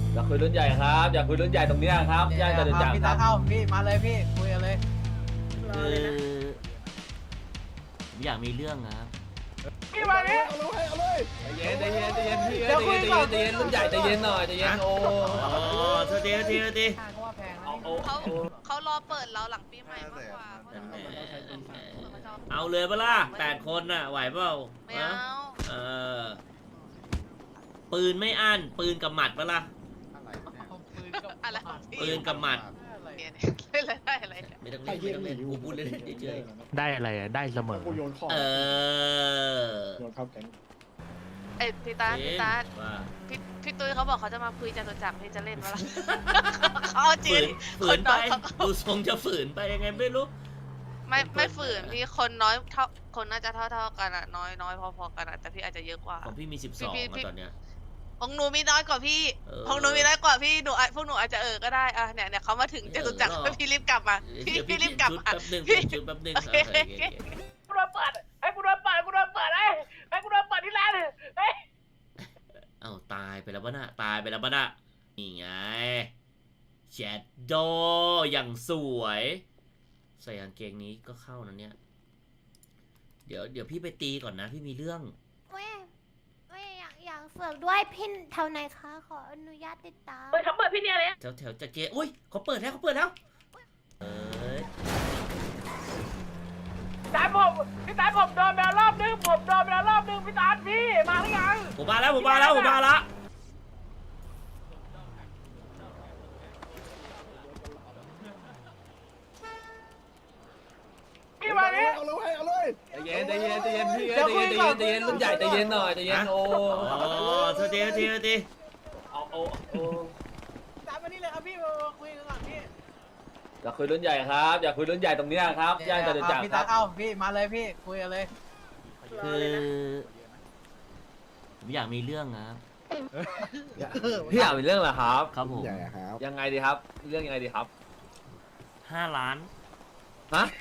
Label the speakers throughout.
Speaker 1: อยากคุยรุ่นใหญ่ครับอยากคุยรุ่นใหญ่ตรงเนี้ยครับย่านจตุจักร
Speaker 2: พี่
Speaker 1: ค
Speaker 2: ตา
Speaker 1: รับ
Speaker 2: เข้าพี่มาเลยพี่คุยกันเลย
Speaker 3: คือผมอยากมีเรื่องครับ
Speaker 2: พี่มาเนี่ย
Speaker 1: ใจเย็นใจเย็นใจเย็นพี่ใจเย็นใจเย็นใจเย็นรุ่นใหญ่ใจเย็นหน่อยใจเย็นโอ้
Speaker 3: อ๋อโทษทีโทษทีโทษที
Speaker 2: เขาว่าแพงนะ
Speaker 4: เขารอเปิดเราหลังปีใหม่มากกว่า
Speaker 3: เอาเลยปะล่ะ8 คนน่ะไหวเปล่า
Speaker 4: ไม่เอา
Speaker 3: เออปืนไม่อั้นปืนกับหมัดปะล่ะ
Speaker 4: อะไรของพี่
Speaker 3: ปืนกับหมัด
Speaker 4: เนี่ยเล่นอะไรได้อะไรเนี่ย
Speaker 3: ไม่ต้องเล่นไม่ต้องเล่นกูพูดเล่นเฉย
Speaker 5: ได้อะไรอะได้เสมอ
Speaker 6: กูโยนของ
Speaker 3: ๆเออ
Speaker 6: โยนเข้าแก๊ง
Speaker 4: เอ้ยพี่ตาพี่ตา
Speaker 3: ว่า
Speaker 4: พี่ตุ้ยเขาบอกเขาจะมาคุยจตุจักรพี่จะเล่นวะล่ะเขาเอาจริ
Speaker 3: ฝื
Speaker 4: ง
Speaker 3: นฝืนไปดูทรงจะฝืนไปยังไงไม่รู้
Speaker 4: ไม่ฝืนพี่คนน้อยเท่าคนน่าจะเท่ากันอะน้อยพอๆกันอะแต่พี่อาจจะเยอะกว่า
Speaker 3: ของพี่มี 12
Speaker 4: พี่
Speaker 3: อะตอนเนี้ย
Speaker 4: ของหนูมีน้อยกว่าพี่
Speaker 3: เออ
Speaker 4: ของหนูมีน้อยกว่าพี่หนูพวกหนูอาจจะก็ได้อะเนี่ยเขามาถึงจตุจักร
Speaker 3: เออ
Speaker 4: พี่รีบกลับมา
Speaker 3: เดี๋ยว
Speaker 4: พี่รีบกลับ
Speaker 3: ชุด
Speaker 4: มา
Speaker 3: แป๊บหนึง
Speaker 4: พี่
Speaker 3: ชุดแป๊บหนึง
Speaker 4: โอเค
Speaker 3: โอเค
Speaker 2: กูโดนเปิดไอ้กูโดนเปิดกูโดนเปิดไอ้กูโดนเปิดที่ร้านเฮ้ย
Speaker 3: เอ้าตายไปแล้วปะน่ะตายไปแล้วปะน่ะนี่ไงแชดโดอย่างสวยใส่กางเกงนี้ก็เข้านะเนี่ยเดี๋ยวพี่ไปตีก่อนนะพี่มีเรื่อง
Speaker 7: เว้ยอยากฝึกด้วยพินเท่าไหนคะ ขออนุญาตติดตาม
Speaker 4: เปิดเขาเปิดพี่เนี่ยเลย
Speaker 3: แถวจะเกอุ้ยเขาเปิดแล้วเอ้ย
Speaker 2: พี่ตาผมโดนไปแล้วรอบนึงพี่ตาพี่มาหรือยัง
Speaker 3: ผมมาแล้ว
Speaker 2: พี่มาเนี่ย
Speaker 6: เอาเลย
Speaker 1: ใจเย็นใจเย็นใจเย็นพี่ใจเย็นใจเย็นใจเย็นรุ่นใหญ่ใจเย็นหน่อยใจเย็นโอ้
Speaker 3: อ๋อโทษที
Speaker 1: เอาโอ้
Speaker 2: ตามมานี่เลยครับพี่มาคุยกันก่อนพี่
Speaker 1: อยากคุยรุ่นใหญ่ครับอยากคุยรุ่นใหญ่ตรงเนี้ยครับย่านจตุจักร
Speaker 2: พี่
Speaker 1: ค
Speaker 2: ตา
Speaker 1: รับ
Speaker 2: เข้าพี่มาเลยพี่คุยกันเลย
Speaker 3: คือผมอยากมีเรื่องครับ
Speaker 1: พี่อยากเป็นเรื่องเหรอครับ
Speaker 3: ครับผม
Speaker 6: ใหญ่ครับ
Speaker 1: ยังไงดีครับเรื่องยังไงดีครับ
Speaker 3: 5 ล้าน
Speaker 1: ฮะ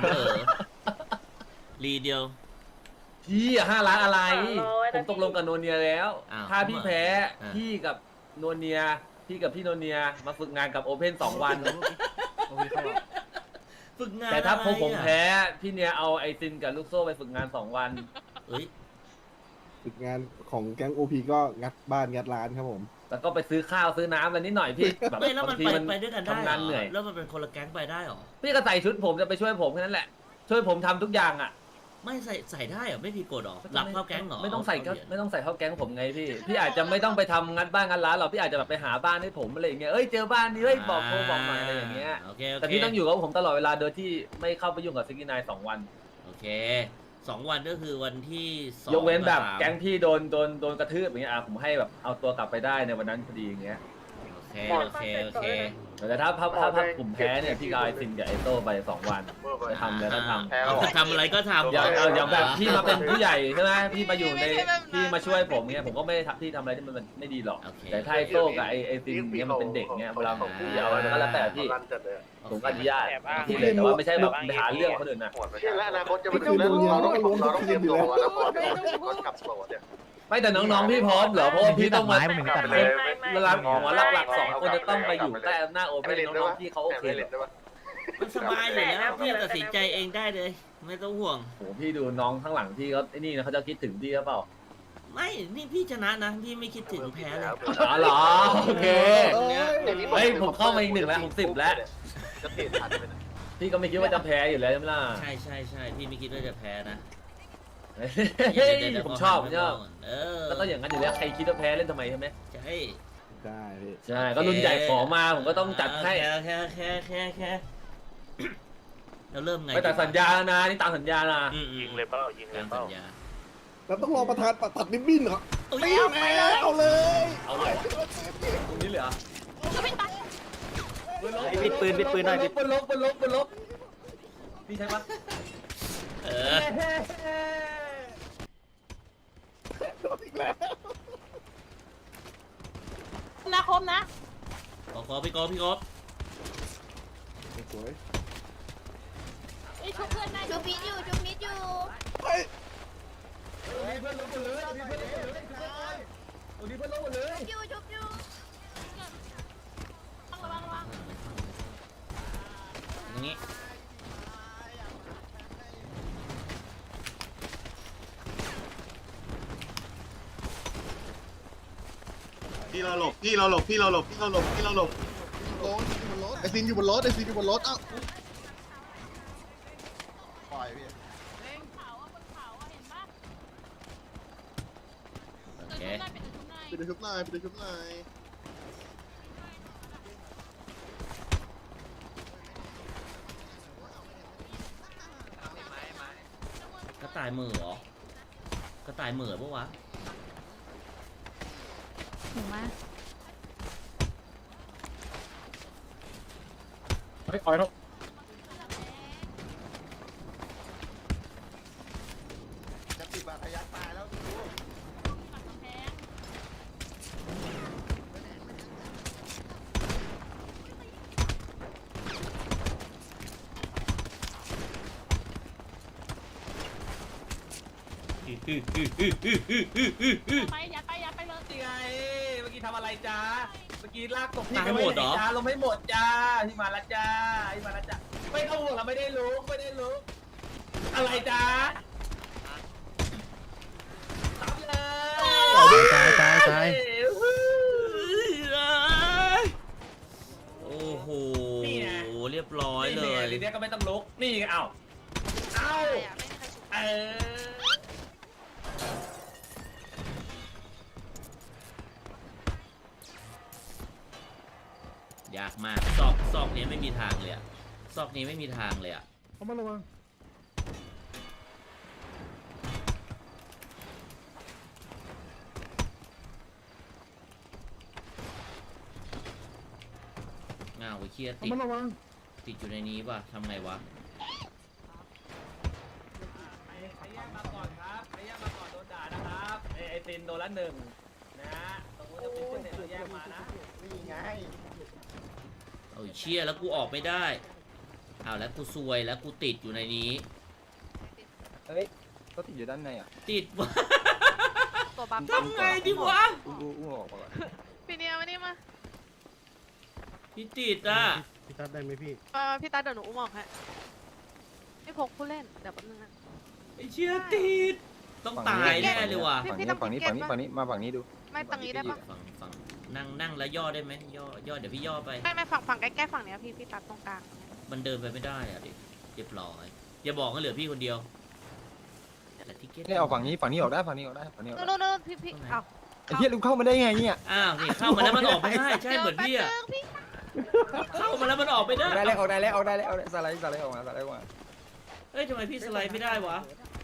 Speaker 3: รีเดียว
Speaker 1: พี่อะ5 ล้านอะไร ผมตกลงกับโนเนียแล้ว
Speaker 3: อ้าว
Speaker 1: ถ้าพี่แพ้
Speaker 3: อ่า
Speaker 1: พี่กับโนเนียพี่กับพี่โนเนียมาฝึกงานกับโอเพน2 วัน
Speaker 3: ฝึกงาน
Speaker 1: แต่ถ้า
Speaker 3: อะไร
Speaker 1: ผม
Speaker 3: อะ
Speaker 1: แพ้พี่เนียเอาไอซินกับลูกโซ่ไปฝึกงาน2 วัน
Speaker 3: เอ้ย
Speaker 6: ฝึกงานของแก๊งโอพีก็งัดบ้านงัดร้านครับผม
Speaker 1: แล้วก็ไปซื้อข้าวซื้อน้ำอะไรนิดหน่อยพี่แบบ
Speaker 3: ไม่แล้วมัน
Speaker 1: บางที
Speaker 3: ไปด้วยกันได้
Speaker 1: ทำงานเหนื่อย
Speaker 3: แล้วมันเป็นคนละแก๊งไปได้หรอ
Speaker 1: พี่ก็ใส่ชุดผมจะไปช่วยผมแค่นั้นแหละ ช่วยผมทำทุกอย่างอ่ะ
Speaker 3: ไม่ใส่ได้เหรอไม่ผิดกฎหรอหลับเข้าแก๊งหรอ
Speaker 1: ไม่ต้องใส่ก็ไม่ต้องใส่เข้าแก๊งผมไงพี่ พี่อาจจะไม่ต้องไปทำงัดบ้านงัดร้านหรอกพี่อาจจะแบบไปหาบ้านให้ผมอะไรอย่างเงี้ยเอ้ยเจอบ้านนี้เฮ้ยบอกโทรบอกมาอะไรอย่างเงี้ย
Speaker 3: โอเค
Speaker 1: แต่พี่ต้องอยู่กับผมตลอดเวลาโดยที่ไม่เข้าไปยุ่งกับซิกกี้นาย2 วัน
Speaker 3: โอเค2 วันก็คือวันที่2
Speaker 1: ยกเว้นแบบ
Speaker 3: กับ3
Speaker 1: แก๊งพี่โดนกระทืบอย่างเงี้ยผมให้แบบเอาตัวกลับไปได้ในวันนั้นพอดีอย่างเงี้ย
Speaker 3: โอเค
Speaker 1: แต่ถ้าผมแพ้เนี่ยพี่กายซินกับไอโต้ไป2 วันจะทำแล้วก็ทำ
Speaker 3: เอาทำอะไรก็ทำ
Speaker 1: อย่างแบบพี่มาเป็นผู้ใหญ่ใช่ไหมพี่มาอยู่ในพี่มาช่วยผมเงี้ยผมก็ไม่ได้ที่ทำอะไรที่มันไม่ดีหรอก
Speaker 3: โอเค
Speaker 1: แต่ถ้าไอโต้กับไอซินเงี้ยมันเป็นเด็กเงี้ยเวลาผมพี่เอาอะไรก็แล้วแต่พี่ผมก็อนุญาตพี่เลยแต่ว่าไม่ใช่แบบไปหาเรื่องคนอื่นนะ
Speaker 8: และอนาคตจะมาถึงแล้วเราต้องเตรียมตัวแล้วก่อนกลับโสดเนี่ย
Speaker 1: ไม่แต่น้องๆพี่พร้อมเหรอเพราะว่าพี่ต้องมา
Speaker 5: ไม่มีตัดไม้
Speaker 1: เวลาหัวหลักๆ2 คนจะต้องไปอยู่ใต้อำนาจโอเพ่นน้องๆพี่เขาโอเคเหรอ
Speaker 3: มันสบายอยู่แล้วพี่ตัดสินใจเองได้เลย ไม่ต้องห่วง
Speaker 1: โหพี่ดูน้องข้างหลังพี่เขาไอ้นี่นะเขาจะคิดถึงพี่หรือเปล่า
Speaker 3: ไม่นี่พี่ชนะนะพี่ไม่คิดถึงแพ้เลย
Speaker 1: อ๋อเหรอโอเคเฮ้ยผมเข้ามาอีก1แล้วผม10แล้ว
Speaker 8: จะเปลี่ยนทันไหม
Speaker 1: พี่ก็ไม่คิดว่าจะแพ้อยู่แล้วใช่ไหมล่ะ
Speaker 3: ใช่พี่ไม่คิดว่าจะแพ้นะ
Speaker 1: เฮ้ยผมชอบ
Speaker 3: เออ
Speaker 1: ก็ต้องอย่างนั้นอยู่แล้วใครคิดว่าแพ้เล่นทำไมใช่ไหม
Speaker 3: ใช่
Speaker 6: ได้พี่
Speaker 1: ใช่ก็รุ่นใหญ่ขอมาผมก็ต้องจัดให้
Speaker 3: แค่เราเริ่มไง
Speaker 1: ไปแต่สัญญานะนี่ตามสัญญานะ
Speaker 8: ยิงเลยเปล่ายิงเลย
Speaker 3: ตาม
Speaker 8: เปล่า
Speaker 3: สัญญา
Speaker 6: แล้วต้องรอประธานตัดริบบิ้นเหรอ
Speaker 3: อุ๊ย
Speaker 6: ไม่เอาเลย
Speaker 1: เอาเลยตรงนี้เลยเหรอ
Speaker 5: ปิดปืนหน่อย
Speaker 1: ปืนลบพี่ใช่ปะ
Speaker 3: เออ
Speaker 6: อีกแล้ว
Speaker 4: นะคมนะ
Speaker 3: ขอพี่กอล์ฟ
Speaker 6: สวย
Speaker 7: ชุบมิดอยู่
Speaker 6: เฮ้ย
Speaker 1: ตรงนี้เพื่อนลบหมดเลย
Speaker 7: ชุบอยู่
Speaker 3: งี้
Speaker 8: พี่เราหลบพี่เราหลบพี่เราหลบพี่เราหลบพี่เราหลบไอซินอยู่บนรถไอซินอยู่บนรถเอ้าปล่อยพี่
Speaker 3: โอเค
Speaker 8: ไปดูชุบหน่อยไปดูชุบหน่อย
Speaker 3: กระต่ายเหม่อเหรอ กระต่ายเหม่อปะวะ
Speaker 7: หนูมา
Speaker 8: จะติดบาดทะยักตายแล้วดู
Speaker 2: ไปยัดไปยัดไปเลย
Speaker 1: นี่ไงเมื่อกี้ทำอะไรจ้าเมื่อกี้ลากตก
Speaker 3: ตายหมดเหรอ
Speaker 1: จ้าลงไม่หมดจ้าที่มาแล้วจ้าที่มาแล้วจ้าไม่ต้องห่วงเราไม่ได้รู้ไม่ได้รู้อะไรจ้าตามเลย
Speaker 5: ตาย
Speaker 3: โอ้โห เรียบร้อย
Speaker 1: นี่
Speaker 3: เล
Speaker 1: ไง
Speaker 3: ย
Speaker 1: ทีเนี้ยก็ไม่ต้องลุกนี่ไงเอ้าเอ้า
Speaker 4: ใช่อะไม่มีใครชุบ
Speaker 1: เออ
Speaker 3: ยากมาก ซอกนี้ไม่มีทางเลยอะซอกนี้ไม่มีทางเลยอะ
Speaker 6: เขามาระวัง
Speaker 3: ง้าวไอ้เคีย
Speaker 6: เขามาระวัง
Speaker 3: ติดอยู่ในนี้ป่ะทำไงวะ
Speaker 1: ใครแยกมาก่อนครับใครแยกมาก่อนโดนด่านะครับไอตินโดนละหนึ่งนะฮะตรงนู้นจะเป็นเส้นเราแยกมานะ
Speaker 8: นี่ไง
Speaker 3: เอาเชี่ยแล้วกูออกไม่ได้เอาแล้วกูซวยแล้วกูติดอยู่ในนี้
Speaker 5: เฮ้ยก็ติดอยู่ด้านในอ่ะ
Speaker 3: ติดวะ
Speaker 4: ตัวบัฟ
Speaker 3: ทำไงดีวะ
Speaker 5: อู้ออกมาก่อน
Speaker 4: พี่เนี่ยมานี่มา
Speaker 3: พี่ติดอ่ะ
Speaker 6: พี่ตัดได้ไหมพี่
Speaker 4: พี่ตาเดี๋ยวหนูอุ้มออกให้พี่พกผู้เล่นเดี๋ยวแป๊บนึงนะ
Speaker 3: ไอ้เชี่ยติดต้องตายแน่เลยว่ะ
Speaker 4: พี่
Speaker 5: ฝั่งนี้
Speaker 4: พี่
Speaker 5: ฝั่งนี้
Speaker 4: ต้อง
Speaker 5: ฝั่งนี้มาฝั่งนี้ดู
Speaker 4: ไม่ตรงนี้ได้ปะ
Speaker 3: ฝั่งนั่งแล้วย่อได้ไหมย่อเดี๋ยวพี่ย่อไป
Speaker 4: ไม่ฝั่งใกล้ๆฝั่งเนี้ยพี่ตัดตรงกลาง
Speaker 3: มันเดินไปไม่ได้อ่ะดิเรียบร้อยอย่าบอกว่าเหลือพี่คนเดียวแต่ทิเก็ต
Speaker 5: นี่เอาฝั่งนี้ฝั่งนี้ออกได้ฝั่งนี้ออกได้ฝั่งนี้ออกได้
Speaker 4: นู่นพี่เอ้า
Speaker 5: ไอ้เหี้ยลุงเข้ามาได้ไงเนี่ย
Speaker 3: อ้าวนี่เข้ามาแล้วมันออกไม่ได้ใช่เหมือนพี่อ่ะ
Speaker 4: พี่
Speaker 3: เข้ามาแล้วมันออกไม่ได้
Speaker 5: ได้แล้วออกได้แล้วออกได้แล้วสไลด์ออกมาสไลด์ออกมา
Speaker 3: เฮ้ยทำไมพี่สไลด์ไม่ได้วะ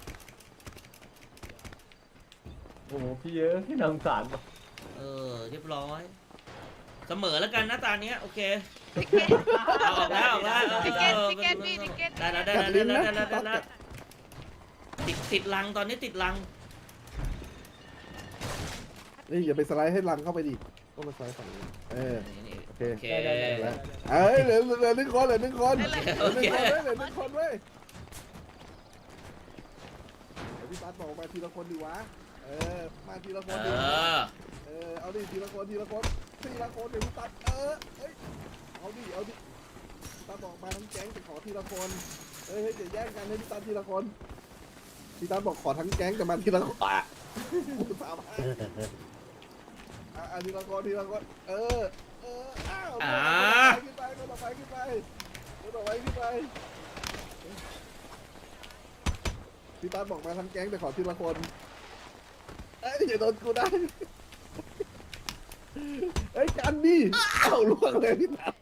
Speaker 1: โอ้โหพี่เยอะพี่น่าสงสาร
Speaker 3: เรียบร้อย เสมอแล้วกันนะตาเนี้ยโอเค
Speaker 4: ทิเก็ต
Speaker 3: เอาออกแล้ว
Speaker 4: ทิเก็ตทิเก็ตพี่ทิเก็ต
Speaker 3: ได้แล้วติดลังตอนนี้ติดลัง
Speaker 6: นี่อย่าไปสไลด์ให้ลังเข้าไปดิต้องมาสไลด์ฝั่งนี้โอเค
Speaker 3: โอเค
Speaker 6: แล้วเอ้ยเหลือหนึ่งคนเหลือหนึ่งคนเหลือหนึ่งคนเว้ยเหลือหนึ่งคนเว้ยเดี๋ยวพี่ตัดบอกมาทีละคนดีวะมาทีละคนดิเอาดิทีละคนเดี๋ยวพี่ตัดเอ้ยเอาดิพี่ตัดบอกมาทั้งแก๊งแต่ขอทีละคนเฮ้ยเดี๋ยวแย่งกันให้พี่ตัดทีละคนพี่ตัดบอกขอทั้งแก๊งแต่มาทีละคนกูสามารถทีละคนอ้าวขึ้นไปก็ต่อไปขึ้นไปพี่ตัดบอกมาทั้งแก๊งแต่ขอทีละคนเอ้ยอย่าโดนกูได้เอ้ยกันดิเอ้าล่วงเลยพี่ตัด